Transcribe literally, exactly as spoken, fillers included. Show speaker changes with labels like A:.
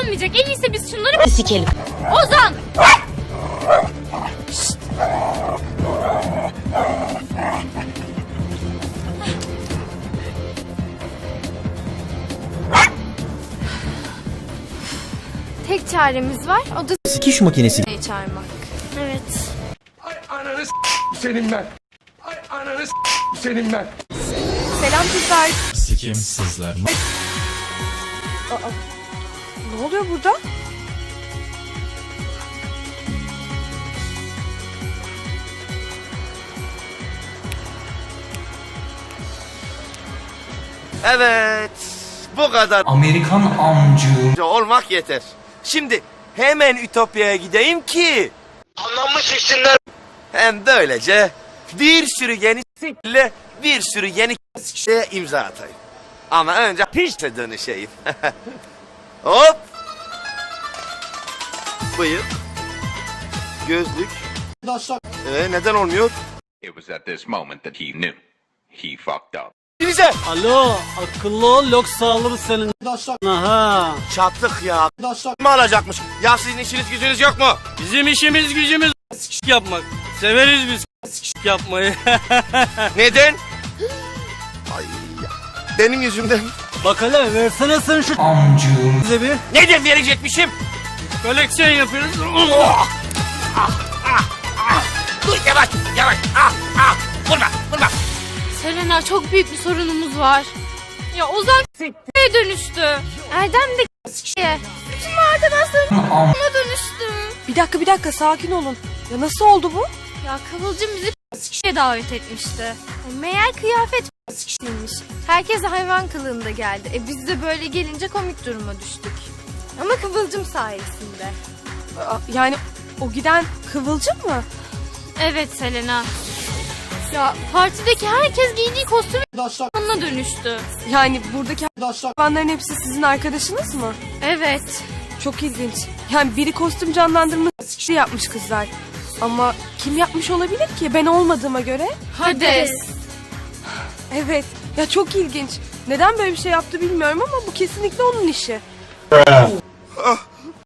A: olmayacak. En iyisi biz şunları
B: Sikelim.
A: Ozan!
C: Tek çaremiz var, o da
D: Sikiş makinesi.
C: çağırmak. Evet.
E: Ay ananı s*** senin ben. Ay ananı s*** senin ben.
C: Selam kızlar.
F: Sikim sızlar mı?
C: Ne oluyor burada?
G: Evet, bu kadar
D: Amerikan amcı.
G: olmak yeter. Şimdi hemen Ütopya'ya gideyim ki anlamı çeksinler. Hem böylece bir sürü yeni s***le bir sürü yeni s***ye imza atayım. Ama önce pişte dönüşeyim. Hop. Bıyık. Gözlük. Ee, neden olmuyor?
H: It was at this moment that he knew. He fucked up.
G: Bize.
I: Alo, akıllı ol yoksa alır senin. Aha.
G: Çattık ya. Mi alacakmış? Ya sizin işiniz gücünüz yok mu?
I: Bizim işimiz gücümüz s**k yapmak. Severiz biz s**k yapmayı.
G: Neden? Ay ya. Benim yüzümden.
I: Bak hele versene sen şu
D: Amcı.
I: bize bir
G: Neden verecekmişim?
I: koleksiyon yapıyoruz.
G: Dur yavaş yavaş. Ah ah. Vurma vurma.
A: Selena, çok büyük bir sorunumuz var. Ya Ozan s***ye dönüştü.
C: Erdem de s***ye.
A: Bütün arkadaşlarım ona dönüştü.
C: Bir dakika bir dakika sakin olun. Ya nasıl oldu bu?
A: Ya Kıvılcım bizi s***ye davet etmişti.
C: Meğer kıyafet s***ymiş. Herkes hayvan kılığında geldi. E biz de böyle gelince komik duruma düştük. Ama Kıvılcım sayesinde. Yani o giden Kıvılcım mı?
A: Evet Selena. Ya partideki herkes giydiği kostümü ona dönüştü.
C: Yani buradaki hayvanların hepsi sizin arkadaşınız mı?
A: Evet.
C: Çok ilginç. Yani biri kostüm canlandırma s*** yapmış kızlar. Ama kim yapmış olabilir ki? Ben olmadığıma göre.
A: Hades.
C: Evet. Ya çok ilginç. Neden böyle bir şey yaptı bilmiyorum ama bu kesinlikle onun işi.